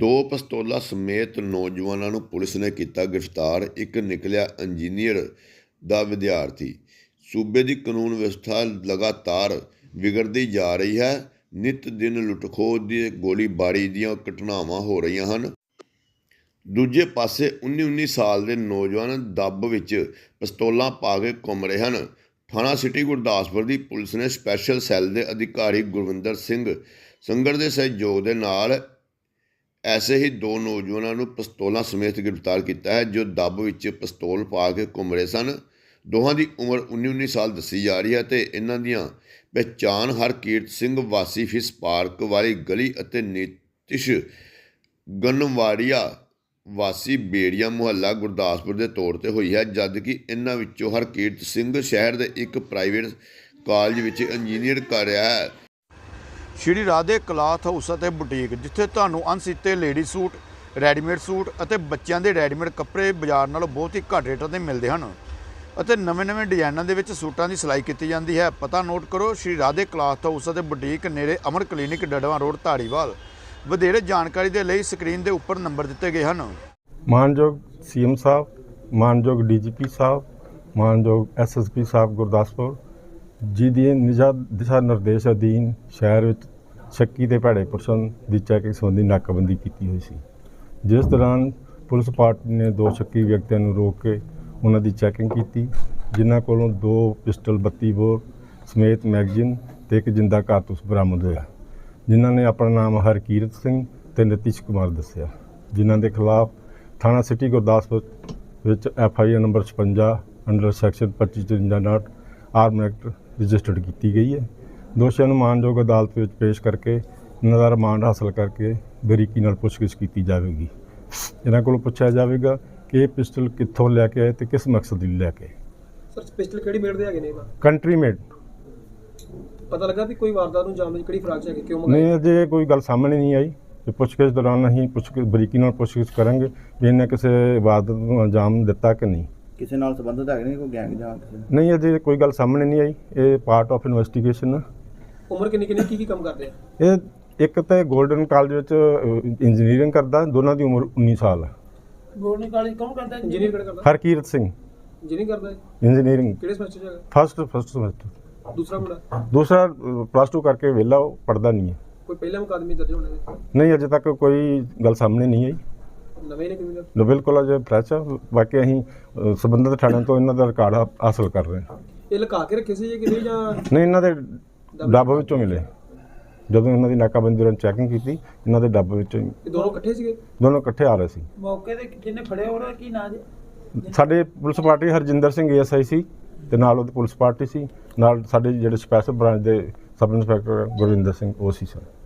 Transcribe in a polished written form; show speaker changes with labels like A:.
A: दो पिस्तौलां ਸਮੇਤ ਨੌਜਵਾਨਾਂ ਨੂੰ ਪੁਲਿਸ ਨੇ ਕੀਤਾ ਗ੍ਰਿਫਤਾਰ। ਇੱਕ ਨਿਕਲਿਆ ਇੰਜੀਨੀਅਰ ਦਾ ਵਿਦਿਆਰਥੀ। ਸੂਬੇ ਦੀ ਕਾਨੂੰਨ ਵਿਵਸਥਾ ਲਗਾਤਾਰ ਵਿਗੜਦੀ ਜਾ ਰਹੀ ਹੈ। ਨਿਤ ਦਿਨ ਲੁੱਟ-ਖੋਹ ਦੀ ਗੋਲੀਬਾਰੀ ਦੀਆਂ ਘਟਨਾਵਾਂ ਹੋ ਰਹੀਆਂ ਹਨ। ਦੂਜੇ ਪਾਸੇ 19 ਸਾਲ ਦੇ ਨੌਜਵਾਨ ਦੱਬ ਵਿੱਚ ਪਿਸਤੌਲਾਂ ਪਾ ਕੇ ਘੁੰਮ ਰਹੇ ਹਨ। ਥਾਣਾ ਸਿਟੀ ਗੁਰਦਾਸਪੁਰ ਦੀ ਪੁਲਿਸ ਨੇ ਸਪੈਸ਼ਲ ਸੈੱਲ ਦੇ ਅਧਿਕਾਰੀ ਗੁਰਵਿੰਦਰ ਸਿੰਘ ਸੰਗੜ ਦੇ ਸਹਿਯੋਗ ਦੇ ਨਾਲ ऐसे ही दो नौजवानों ਨੂੰ ਪਿਸਤੌਲਾਂ ਸਮੇਤ ਗ੍ਰਿਫਤਾਰ ਕੀਤਾ ਹੈ ਜੋ ਦੱਬ ਵਿੱਚ ਪਿਸਤੌਲ ਪਾ ਕੇ ਘੁੰਮ ਰਹੇ ਸਨ। ਦੋਹਾਂ ਦੀ ਉਮਰ 19 ਸਾਲ ਦੱਸੀ ਜਾ ਰਹੀ ਹੈ ਤੇ ਇਹਨਾਂ ਦੀਆਂ ਪਹਿਚਾਣ ਹਰਕੀਰਤ ਸਿੰਘ ਵਾਸੀ ਫਿਸ ਪਾਰਕ ਵਾਲੀ ਗਲੀ ਅਤੇ ਨੀਤਿਸ਼ ਗਨਵਾੜੀਆ ਵਾਸੀ ਬੇੜੀਆ ਮੁਹੱਲਾ ਗੁਰਦਾਸਪੁਰ ਦੇ ਤੌਰ ਤੇ ਹੋਈ ਹੈ, ਜਦਕਿ ਇਹਨਾਂ ਵਿੱਚੋਂ ਹਰਕੀਰਤ ਸਿੰਘ ਸ਼ਹਿਰ ਦੇ ਇੱਕ ਪ੍ਰਾਈਵੇਟ ਕਾਲਜ ਵਿੱਚ ਇੰਜੀਨੀਅਰ ਕਰ ਰਿਹਾ ਹੈ।
B: ਸ਼੍ਰੀ ਰਾਧੇ ਕਲਾਥ ਹਾਊਸ ਅਤੇ ਬੁਟੀਕ, ਜਿੱਥੇ ਤੁਹਾਨੂੰ ਅਣਸੀਤੇ ਲੇਡੀ ਸੂਟ, ਰੈਡੀਮੇਡ ਸੂਟ ਅਤੇ ਬੱਚਿਆਂ ਦੇ ਰੈਡੀਮੇਡ ਕੱਪੜੇ ਬਾਜ਼ਾਰ ਨਾਲੋਂ ਬਹੁਤ ਹੀ ਘੱਟ ਰੇਟਾਂ 'ਤੇ ਮਿਲਦੇ ਹਨ ਅਤੇ ਨਵੇਂ ਡਿਜ਼ਾਈਨਾਂ ਦੇ ਵਿੱਚ ਸੂਟਾਂ ਦੀ ਸਿਲਾਈ ਕੀਤੀ ਜਾਂਦੀ ਹੈ। ਪਤਾ ਨੋਟ ਕਰੋ, ਸ਼੍ਰੀ ਰਾਧੇ ਕਲਾਥ ਹਾਊਸ ਅਤੇ ਬੁਟੀਕ, ਨੇੜੇ ਅਮਰ ਕਲੀਨਿਕ, ਡੜਵਾ ਰੋਡ, ਧਾਰੀਵਾਲ। ਵਧੇਰੇ ਜਾਣਕਾਰੀ ਦੇ ਲਈ ਸਕਰੀਨ ਦੇ ਉੱਪਰ ਨੰਬਰ ਦਿੱਤੇ ਗਏ ਹਨ।
C: ਮਾਨਯੋਗ CM ਸਾਹਿਬ, ਮਾਨਯੋਗ DGP ਸਾਹਿਬ, ਮਾਨਯੋਗ SSP ਸਾਹਿਬ ਗੁਰਦਾਸਪੁਰ ਜੀ ਦੀ ਦਿਸ਼ਾ ਨਿਰਦੇਸ਼ ਅਧੀਨ ਸ਼ਹਿਰ ਵਿੱਚ ਸ਼ੱਕੀ ਤੇ ਭੈੜੇ ਪੁਰਸ਼ਾਂ ਦੀ ਚੈਕਿੰਗ ਸੰਬੰਧੀ ਨਾਕਾਬੰਦੀ ਕੀਤੀ ਹੋਈ ਸੀ, ਜਿਸ ਦੌਰਾਨ ਪੁਲਿਸ ਪਾਰਟੀ ਨੇ ਦੋ ਸ਼ੱਕੀ ਵਿਅਕਤੀਆਂ ਨੂੰ ਰੋਕ ਕੇ ਉਹਨਾਂ ਦੀ ਚੈਕਿੰਗ ਕੀਤੀ, ਜਿਨ੍ਹਾਂ ਕੋਲੋਂ 2 ਪਿਸਟਲ 32 ਬੋਰ ਸਮੇਤ ਮੈਗਜ਼ੀਨ ਤੇ ਇੱਕ ਜਿੰਦਾ ਕਾਰਤੂਸ ਬਰਾਮਦ ਹੋਇਆ, ਜਿਨ੍ਹਾਂ ਨੇ ਆਪਣਾ ਨਾਮ ਹਰਕੀਰਤ ਸਿੰਘ ਤੇ ਨਤੀਸ਼ ਕੁਮਾਰ ਦੱਸਿਆ, ਜਿਨ੍ਹਾਂ ਦੇ ਖਿਲਾਫ ਥਾਣਾ ਸਿਟੀ ਗੁਰਦਾਸਪੁਰ ਵਿੱਚ FIR number 56 under section 2553 arm act registered ਕੀਤੀ ਗਈ ਹੈ। ਦੋਸ਼ੀਆਂ ਨੂੰ ਮਾਨਯੋਗ ਅਦਾਲਤ ਵਿੱਚ ਪੇਸ਼ ਕਰਕੇ ਇਹਨਾਂ ਦਾ ਰਿਮਾਂਡ ਹਾਸਲ ਕਰਕੇ ਬਰੀਕੀ ਨਾਲ ਪੁੱਛਗਿੱਛ ਕੀਤੀ ਜਾਵੇਗੀ। ਇਹਨਾਂ ਕੋਲੋਂ ਪੁੱਛਿਆ ਜਾਵੇਗਾ ਕਿ ਇਹ ਪਿਸਟਲ ਕਿੱਥੋਂ ਲੈ ਕੇ ਆਏ ਤੇ ਕਿਸ ਮਕਸਦ ਲਈ ਲੈ ਕੇ।
D: ਸਰ ਪਿਸਟਲ ਕਿਹੜੀ ਮੇਡ ਦੇ ਹੈਗੇ ਨੇ?
C: Country made.
D: ਪਤਾ ਲੱਗਾ ਵੀ ਕੋਈ ਵਾਰਦਾਤ ਨੂੰ ਅੰਜਾਮ ਦੇਣ ਕਿਹੜੀ ਫਰਾਕ ਚ ਹੈਗੇ, ਕਿਉਂ ਮੰਗਾਈ?
C: ਨਹੀਂ, ਅਜੇ ਕੋਈ ਗੱਲ ਸਾਹਮਣੇ ਨਹੀਂ ਆਈ। ਤੇ ਪੁੱਛਗਿੱਛ ਦੌਰਾਨ ਅਸੀਂ ਬਰੀਕੀ ਨਾਲ ਪੁੱਛਗਿੱਛ ਕਰਾਂਗੇ ਵੀ ਇਹਨੇ ਕਿਸੇ ਵਾਰਦਾਤ ਨੂੰ ਅੰਜਾਮ ਦਿੱਤਾ ਕਿ ਨਹੀਂ,
E: ਕਿਸੇ ਨਾਲ ਸੰਬੰਧਿਤ ਹੈਗੇ ਨੇ, ਕੋਈ ਗੈਂਗ ਜਾਂ
C: ਨਹੀਂ। ਅਜੇ ਕੋਈ ਗੱਲ ਸਾਹਮਣੇ ਨਹੀਂ ਆਈ। ਇਹ ਪਾਰਟ ਆਫ ਇਨਵੈਸਟੀਗੇਸ਼ਨ।
D: ਉਮਰ ਕਿੰਨੀ ਕੀ ਕੰਮ ਕਰਦੇ ਆ?
C: ਇਹ ਇੱਕ ਤਾਂ ਗੋਲਡਨ ਕਾਲਜ ਵਿੱਚ ਇੰਜੀਨੀਅਰਿੰਗ ਕਰਦਾ, ਦੋਨਾਂ ਦੀ ਉਮਰ 19 ਸਾਲ ਹੈ।
D: ਗੋਲਡਨ ਕਾਲਜ ਕੌਣ ਕਰਦਾ? ਇੰਜੀਨੀਅਰ ਕਿਹੜਾ ਕਰਦਾ?
C: ਹਰਕੀਰਤ ਸਿੰਘ
D: ਇੰਜੀਨੀਅਰਿੰਗ ਕਰਦਾ ਹੈ।
C: ਇੰਜੀਨੀਅਰਿੰਗ
D: ਕਿਹੜੇ ਸਮੈਸਟਰ ਚ ਹੈਗਾ?
C: First semester.
D: ਦੂਸਰਾ ਮੁੰਡਾ?
C: ਦੂਸਰਾ +2 ਕਰਕੇ ਵਿਹਲਾ, ਉਹ ਪੜ੍ਹਦਾ ਨਹੀਂ ਹੈ।
D: ਕੋਈ ਪਹਿਲਾ ਮੁਕਾਦਮੇ ਦਰਜ ਹੋਣੇ ਨੇ?
C: ਨਹੀਂ, ਅਜੇ ਤੱਕ ਕੋਈ ਗੱਲ ਸਾਹਮਣੇ ਨਹੀਂ ਆਈ।
D: ਨਵੇਂ ਨੇ ਕਿਵੇਂ?
C: ਬਿਲਕੁਲ ਅਜੇ ਫਰੈਸ਼ ਆ। ਬਾਕੀ ਅਸੀਂ ਸੰਬੰਧਿਤ ਥਾਣਿਆਂ ਤੋਂ ਇਹਨਾਂ ਦਾ ਰਿਕਾਰਡ ਹਾਸਲ ਕਰ ਰਹੇ ਹਾਂ।
D: ਇਹ ਲੁਕਾ ਕੇ ਰੱਖੇ ਸੀ ਜਾਂ ਕਿਤੇ ਜਾਂ
C: ਨਹੀਂ, ਇਹਨਾਂ ਦੇ ਡੱਬ ਵਿੱਚੋਂ ਮਿਲੇ। ਜਦੋਂ ਇਹਨਾਂ ਦੀ ਨਾਕਾਬੰਦੀ ਦੌਰਾਨ ਚੈਕਿੰਗ ਕੀਤੀ, ਇਹਨਾਂ ਦੇ ਡੱਬ ਵਿੱਚੋਂ।
D: ਇਹ ਦੋਨੋਂ ਇਕੱਠੇ ਸੀਗੇ?
C: ਦੋਨੋਂ ਇਕੱਠੇ ਆ ਰਹੇ ਸੀ।
D: ਮੌਕੇ ਤੇ ਜਿਹਨੇ ਫੜਿਆ ਉਹਦਾ ਕੀ ਨਾਂ ਜੀ?
C: ਸਾਡੇ police party Harjinder Singh ASI ਸੀ ਤੇ ਨਾਲ ਉਹਦੀ ਪੁਲਿਸ ਪਾਰਟੀ ਸੀ, ਨਾਲ ਸਾਡੇ ਜਿਹੜੇ ਸਪੈਸ਼ਲ ਬ੍ਰਾਂਚ ਦੇ ਸਬ ਇੰਸਪੈਕਟਰ ਗੁਰਵਿੰਦਰ ਸਿੰਘ ਉਹ ਸੀ ਸਰ।